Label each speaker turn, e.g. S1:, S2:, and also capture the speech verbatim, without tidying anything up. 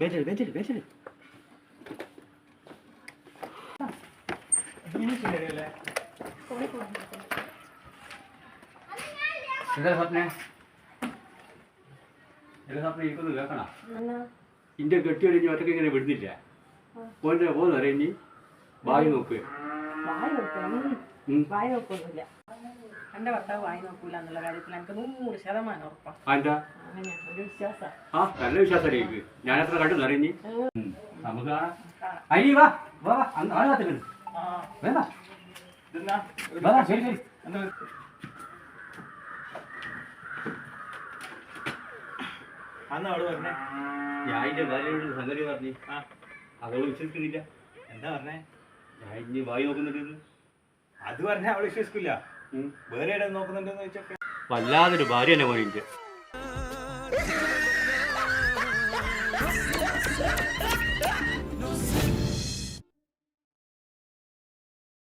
S1: വെച്ചിട്ട് വെച്ചിട്ട് വെച്ചിട്ട് എന്താ സ്വപ്നെ എന്താ സ്വപ്നം എനിക്കൊന്ന് കേൾക്കണ ഇന്റെ കെട്ടി കഴിഞ്ഞ് ഒറ്റയ്ക്ക് ഇങ്ങനെ വിടുന്നില്ല പോയിന്റ് പോകുന്നു അറിയാം ഇനി വായി നോക്ക്
S2: വായി നോക്കൊന്നുമില്ല. എന്റെ ഭർത്താവ് വായി നോക്കൂല എന്നുള്ള കാര്യത്തിൽ എനിക്ക് നൂറ് ശതമാനം ഉറപ്പാണ്.
S1: എന്താ
S2: ഒരു വിശ്വാസം.
S1: ആ നല്ല വിശ്വാസമായിരിക്കും. ഞാൻ എത്ര കണ്ടു അറിഞ്ഞി നമുക്ക് കാണാം. അരി വാ വാ വാ ആളെ കാത്തിട്ടുണ്ട്. ശരി ശരി ഞാൻ എന്റെ ഭാര്യയോട് സംഗതി പറഞ്ഞു. അവള് വിശ്വസിക്കുന്നില്ല.
S3: എന്താ പറഞ്ഞേ?
S1: ഞാൻ ഇനി വായി നോക്കുന്നുണ്ട്.
S3: അത് പറഞ്ഞാൽ അവള് വിശ്വസിക്കില്ല. വേറെ ഇടം നോക്കുന്നുണ്ടെന്ന് വെച്ചൊക്കെ
S1: വല്ലാതൊരു ഭാര്യ തന്നെ പോയി.